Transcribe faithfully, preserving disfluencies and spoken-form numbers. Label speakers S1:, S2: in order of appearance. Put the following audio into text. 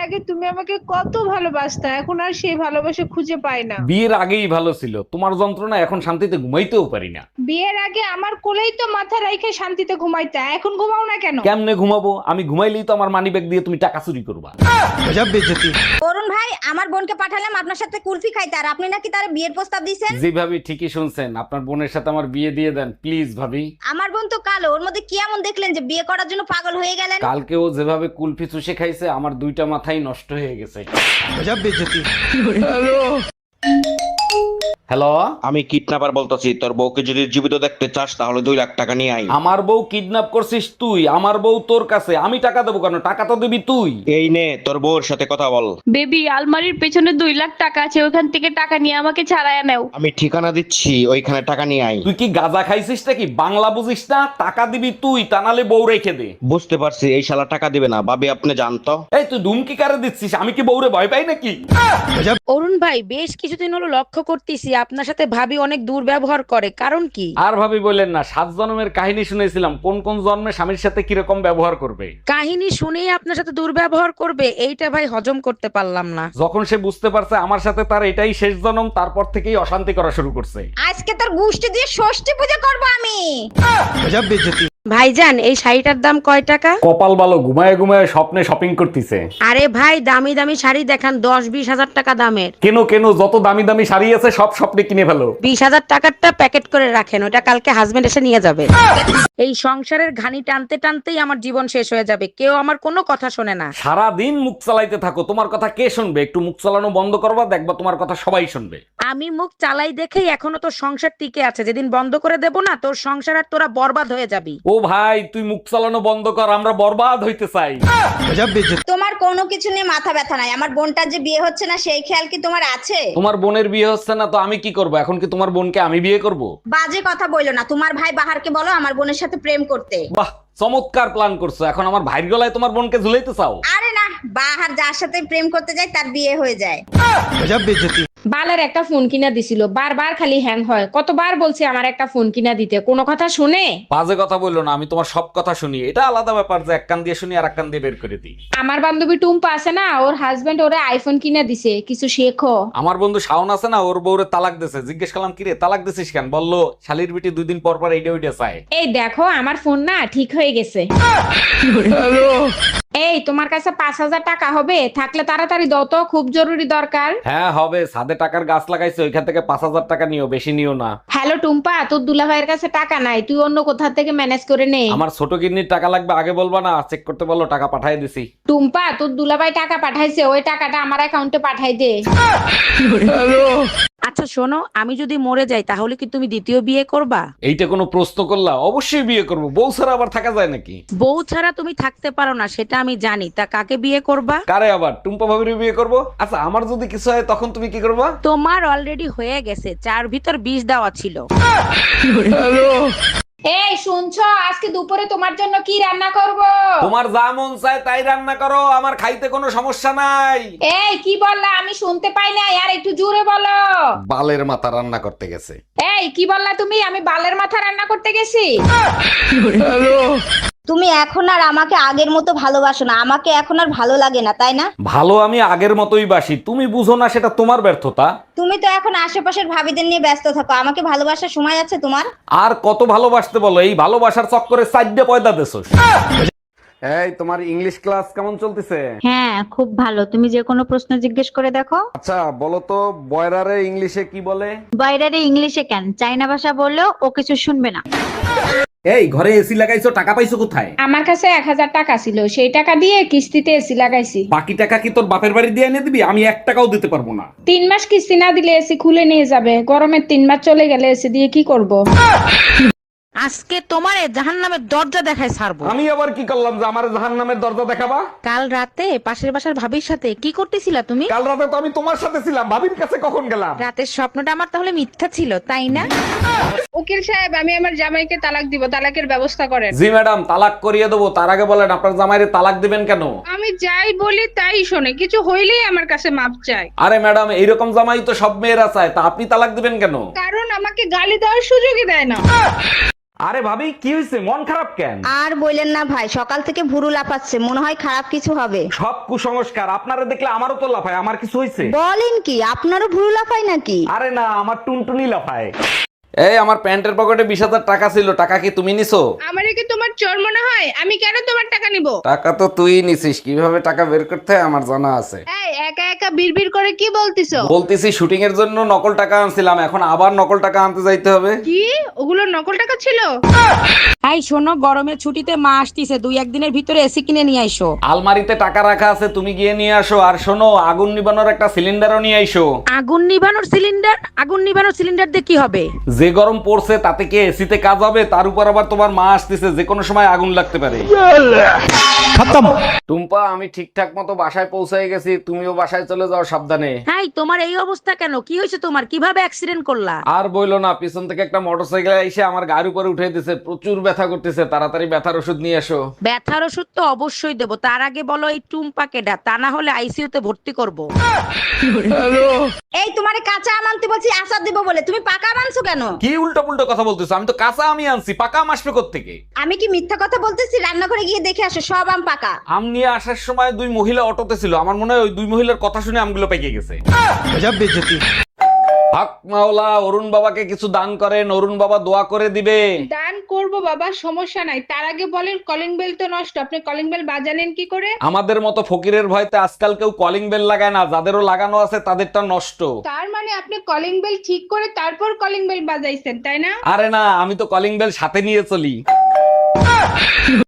S1: আগে তুমি আমাকে কত ভালোবাসতা, এখন আর সেই ভালোবাসা খুঁজে পাই না।
S2: বিয়ের আগেই ভালো ছিল, তোমার যন্ত্রণা এখন শান্তিতে ঘুমাইতেও পারি না।
S1: বিয়ের আগে আমার কোলেই তো মাথা রাইখে শান্তিতে ঘুমাইতা, এখন ঘুমাও না কেন?
S2: কেমনে ঘুমাবো? আমি ঘুমাইলেই তো আমার মানি ব্যাগ দিয়ে তুমি টাকা চুরি করবা।
S3: অরুণ ভাই, আমার বোনকে পাঠালাম আপনার সাথে কুলফি খাইতে, আর আপনি নাকি তার বিয়ের প্রস্তাব দিয়েছেন।
S2: জি ভাবি, ঠিকই শুনছেন, আপনার বোনের সাথে আমার বিয়ে দিয়ে দেন প্লিজ ভাবি।
S3: আমার বোন তো কালো, ওর মধ্যে কি এমন দেখলেন যে বিয়ে করার জন্য পাগল হয়ে গেলেন?
S2: কালকে ও যেভাবে কুলফি চুষে খাইছে, আমার দুইটা মাথাই নষ্ট হয়ে গেছে। হ্যালো,
S4: আমি কিডন্যাপার বলতেছি, তোর বউকে যদি জীবিত দেখতে চাস তাহলে দুই লাখ টাকা নিয়ে আই।
S2: আমার বউ কিডন্যাপ করছিস তুই? আমার বউ তোর কাছে, আমি টাকা দেবো কেন? টাকা তো দিবি তুই।
S4: এই নে তোর বউর সাথে কথা বল।
S5: বেবি, আলমারির পেছনে দুই লাখ টাকা আছে, ওখান থেকে টাকা নিয়ে আমাকে ছাড়াইয়া নাও।
S4: আমি ঠিকানা দিচ্ছি, ওইখানে টাকা নিয়ে আই।
S2: তুই কি গাঁজা খাইছিস নাকি? বাংলা বুঝিস না? টাকা দিবি তুই, তা নালে বউ রেখে দে।
S4: বুঝতে পারছি, এই শালা টাকা দিবে না। ভাবি আপনি জানতো।
S2: এই তুই ধুমকি কারে দিচ্ছিস? আমি কি বউরে ভয় পাই নাকি?
S6: অরুণ ভাই, বেশ কিছুদিন হলো লক্ষ্য করতেছি আপনার সাথে ভাবি অনেক দুর্ব্যবহার করে, কারণ কি?
S2: আর ভাবি বললেন না, সাত জন্মের কাহিনী শুনেছিলাম, কোন কোন জন্মে স্বামীর সাথে কিরকম ব্যবহার করবে।
S6: কাহিনী শুনেই আপনার সাথে দুর্ব্যবহার করবে, এইটা ভাই হজম করতে পারলাম না।
S2: যখন সে বুঝতে পারছে আমার সাথে তার এটাই শেষ জন্ম, তারপর থেকেই অশান্তি করা শুরু করছে।
S3: আজকে তোর গুষ্টি দিয়ে ষষ্ঠী পূজা করবো আমি।
S6: ভাইজান, এই শাড়িটার দাম কয় টাকা?
S2: কপাল ভালো, ঘুমায় ঘুমায় স্বপ্নে শপিং করতেছে।
S6: আরে ভাই, দামি দামি শাড়ি দেখান, দশ বিশ হাজার টাকা দামের।
S2: কেন কেন, যত দামি দামি শাড়ি আছে সব স্বপ্নে কিনে ফেলো।
S6: বিশ হাজার টাকারটা প্যাকেট করে রাখেন, ওটা কালকে হাজবেন্ড এসে নিয়ে যাবে। এই সংসারের ঘানি টানতে টানতেই আমার জীবন শেষ হয়ে যাবে, কেউ আমার কোনো কথা শোনে না।
S2: সারা দিন মুখ চালাইতে থাকো, তোমার কথা কে শুনবে? একটু মুখ চালানো বন্ধ করবা, দেখবা তোমার কথা সবাই শুনবে।
S6: আমি মুখ চালাই দেখেই এখনো তোর সংসার টিকে আছে, যেদিন বন্ধ করে দেব না, তোর সংসার আর তোরা বরবাদ হয়ে যাবি।
S2: ও ভাই, তুই মুখ চালানো বন্ধ কর, আমরা বরবাদ হইতে চাই।
S3: তোমার কোনো কিছু নিয়ে মাথা ব্যথা নাই, আমার বোনটার যে বিয়ে হচ্ছে না সেই খেয়াল কি তোমার আছে?
S2: তোমার বোনের বিয়ে হচ্ছে না তো আমি কি করব? এখন কি তোমার বোনকে আমি বিয়ে করব?
S3: বাজে কথা বইলো না, তোমার ভাই বাহারকে বলো আমার বোনের সাথে প্রেম করতে।
S2: বাহ, চমৎকার প্ল্যান করছো। এখন আমার ভাইয়ের গলায় তোমার বোনকে ঝুলাইতে চাও?
S3: আরে না, বাহার যার সাথে প্রেম করতে যায় তার বিয়ে হয়ে যায়।
S1: বালের একটা ফোন কিনা দিছিল, বারবার খালি হ্যাং হয়। কতবার বলছি আমার একটা ফোন কিনা দিতে, কোনো কথা শুনে?
S2: বাজে কথা বললো না, আমি তোমার সব কথা শুনি। এটা আলাদা ব্যাপার যে এক কান দিয়ে শুনি আর এক কান দিয়ে বের করে দিই।
S1: আমার বান্ধবী টুম্পা আছে না, ওর হাজবেন্ড ওরে আইফোন কিনা দিছে, কিছু শেখো।
S2: আমার বন্ধু শাওন আছে না, ওর বউরে তালাক দিছে। জিজ্ঞেস করলাম কিরে তালাক দিছিস কেন? বললো শালির বিটি দুই দিন পর পর এইটা ওইটা চায়।
S1: এই দেখো, আমার ফোন না ঠিক হয়ে গেছে। এই, তোমার কাছে পাঁচ হাজার টাকা হবে? থাকলে তাড়াতাড়ি দাও তো, খুব জরুরি দরকার।
S2: হ্যাঁ হবে, ছাদে টাকার গাছ লাগাইছে, ওইখান থেকে পাঁচ হাজার টাকা নিও, বেশি নিও না।
S1: হ্যালো টুম্পা, তোর দুলাভাইয়ের কাছে টাকা নাই, তুই অন্য কোথা থেকে ম্যানেজ করে নে।
S2: আমার ছোট কিডনির টাকা লাগবে, আগে বলবা না? চেক করতে বলো, টাকা পাঠিয়ে দিছি।
S1: টুম্পা, তোর দুলাভাই টাকা পাঠাইছে, ওই টাকাটা আমার অ্যাকাউন্টে পাঠাই দে।
S6: আচ্ছা শোনো, আমি যদি মরে যাই তাহলে কি তুমি দ্বিতীয় বিয়ে করবা?
S2: এইটা কোনো প্রশ্ন করলা? অবশ্যই বিয়ে করব, বউ ছাড়া আবার থাকা যায় নাকি?
S6: বউ ছাড়া তুমি থাকতে পারো না সেটা আমি জানি, তা কাকে বিয়ে করবা?
S2: কারে আবার? টুম্পা ভাবির বিয়ে করব। আচ্ছা, আমার যদি কিছু হয় তখন তুমি কি করবা?
S6: তোমার অলরেডি হয়ে গেছে, চার ভিতর বিষ দেওয়া ছিল।
S1: এই শুনছো, আজকে দুপুরে তোমার জন্য কি রান্না করব?
S2: তোমার যা মন চায় তাই রান্না করো, আমার খাইতে কোনো সমস্যা নাই।
S1: এই কি বললা? আমি শুনতে পাই না, আর একটু জোরে বলো।
S2: বালের মাথা রান্না করতে গেছে।
S1: এই কি বললা তুমি? আমি বালের মাথা রান্না করতে গেছি?
S3: তুমি এখন আর আমাকে আগের মতো ভালোবাসো না, আমাকে এখন আর ভালো লাগে না, তাই না?
S2: ভালো আমি আগের মতোই বাসি, তুমি বুঝো না, সেটা তোমার ব্যর্থতা।
S3: তুমি তো এখন আশেপাশের ভাবিদের নিয়ে ব্যস্ত থাকো, আমাকে ভালোবাসার সময় আছে তোমার?
S2: আর কত ভালোবাসতে বলো? এই ভালোবাসার চক্করে সাইডে পয়দা দেছো। এই, তোমার ইংলিশ ক্লাস কেমন চলতেছে?
S7: হ্যাঁ, খুব ভালো। তুমি যে কোনো প্রশ্ন জিজ্ঞেস করে দেখো।
S2: আচ্ছা বলো তো, বয়রারে ইংলিশে কি বলে?
S7: বাইরে ইংলিশে কেন, চাইনা ভাষা বললেও ও কিছু শুনবে না।
S2: এই ঘরে এসি লাগাইছো, টাকা পাইছো কোথায়?
S1: আমার কাছে এক হাজার টাকা ছিল, সেই টাকা দিয়ে কিস্তিতে এসি লাগাইছি।
S2: বাকি টাকা কি তোর বাপের বাড়ি দিয়ে এনে দিবি? আমি এক টাকাও দিতে পারবো না।
S1: তিন মাস কিস্তি না দিলে এসি খুলে নিয়ে যাবে, গরমের তিন মাস চলে গেলে এসি দিয়ে কি করব?
S6: আজকে তোমারে জাহান্নামের দরজা দেখায় ছাড়বো।
S2: আমি আবার কি করলাম যে আমার জাহান্নামের দরজা দেখাবা?
S6: কাল রাতে পাশের বাসার ভাবির সাথে কি করতেছিলা তুমি?
S2: কাল রাতে তো আমি তোমার সাথে ছিলাম, ভাবির কাছে কখন গেলাম?
S6: রাতের স্বপ্নটা আমার তাহলে মিথ্যা ছিল, তাই না?
S1: উকিল সাহেব, আমি আমার জামাইকে তালাক দিব, তালাকের ব্যবস্থা করেন।
S2: জি ম্যাডাম, তালাক করিয়ে দেবো। তার আগে বলেন আপনার জামাইরে তালাক দিবেন কেন?
S1: আমি যাই বলি তাই শোনে, কিছু হইলেই আমার কাছে মাপ চায়।
S2: আরে ম্যাডাম, এইরকম জামাই তো সব মেয়েরা চায়, তা আপনি তালাক দিবেন কেন?
S1: কারণ আমাকে গালি দেওয়ার সুযোগই দেয় না।
S2: আরে ভাবি কি হয়েছে, মন খারাপ কেন?
S3: আর বললেন না ভাই, সকাল থেকে ভুরু লাফাচ্ছে, মনে হয় খারাপ কিছু হবে।
S2: সব কুসংস্কার, আপনারা দেখলে আমারও তো লাফায়। আমার কিছু হয়েছে?
S3: বলেন কি, আপনারও ভুরু লাফায় নাকি?
S2: আরে না, আমার টুনটুনি লাফায়। এই আমার প্যান্টের পকেটে বিশ হাজার টাকা ছিল, টাকা কি তুমি নিছো?
S5: আমারে কি তোমার চোর মনে হয়? আমি কেন তোমার টাকা নিব?
S2: টাকা তো তুই নিছিস, কিভাবে টাকা বের করতে হয় আমার জানা আছে।
S5: এই একা একা বিড়বিড় করে কি বলতিছো?
S2: বলতেছি শুটিং এর জন্য নকল টাকা আনছিলাম, এখন আবার নকল টাকা আনতে যাইতে হবে।
S5: কি ওগুলো নকল টাকা ছিল?
S6: এই শোনো, গরমের ছুটিতে মা আসতিছে, দুই একদিনের ভিতরে এসি কিনে নিয়ে আইসো।
S2: আলমারিতে টাকা রাখা আছে, তুমি গিয়ে নিয়ে আসো। আর শোনো, আগুন নিবানোর একটা সিলিন্ডারও নিয়ে আইসো।
S6: আগুন নিভানোর সিলিন্ডার? আগুন নিভানোর সিলিন্ডার দিয়ে কি হবে?
S2: যে গরম পড়ছে তাতে কি এসিতে কাজ হবে? তার উপর আবার তোমার মা আসতেছে, যে কোনো সময় আগুন লাগতে পারে। টুম্পা, আমি ঠিকঠাক মতো বাসায় পৌঁছে গেছি, তুমিও বাসায় চলে যাও সাবধানে।
S6: হাই, তোমার এই অবস্থা কেন? কি হয়েছে তোমার? কিভাবে অ্যাক্সিডেন্ট করলা?
S2: আর বইলো না, পিছন থেকে একটা মোটরসাইকেল এসে আমার গাড়ির উপরে উঠে দিছে, প্রচুর ব্যথা করতেছে, তাড়াতাড়ি ব্যথার ওষুধ নিয়ে এসো।
S6: ব্যথার ওষুধ তো অবশ্যই দেবো, তার আগে বলো এই টুম্পা কেডা, তা না হলে আইসিইউ তে ভর্তি করব।
S3: এই তোমারে কাঁচা আম আনতে বলছি আচার দিব বলে, তুমি পাকা আম আনছো কেন?
S2: কি উল্টো পুল্টো কথা বলতেছো? আমি তো কাঁচা আমি আনছি, পাকা আম আসবে কোত্থেকে?
S3: আমি কি মিথ্যা কথা বলতেছি? রান্নাঘরে গিয়ে দেখে আসো, সব আম পাকা।
S2: আম নিয়ে আসার সময় দুই মহিলা অটোতে ছিল, আমার মনে হয় ওই দুই মহিলার কথা শুনে আমগুলো পেকে গেছে। হক মাওলা, অরুণ বাবাকে কিছু দান করেন, অরুণ বাবা দোয়া করে দিবে।
S5: দান করব বাবা, সমস্যা নাই। তার আগে বলেন, কলিং বেল তো নষ্ট, আপনি কলিং বেল বাজালেন কি করে?
S2: আমাদের মতো ফকিরের ভয়তে আজকাল কেউ কলিং বেল লাগায় না, যাদেরও লাগানো আছে তাদেরটা নষ্ট।
S5: তার মানে আপনি কলিং বেল ঠিক করে তারপর কলিং বেল বাজাইছেন, তাই না?
S2: আরে না, আমি তো কলিং বেল সাথে নিয়ে চলি।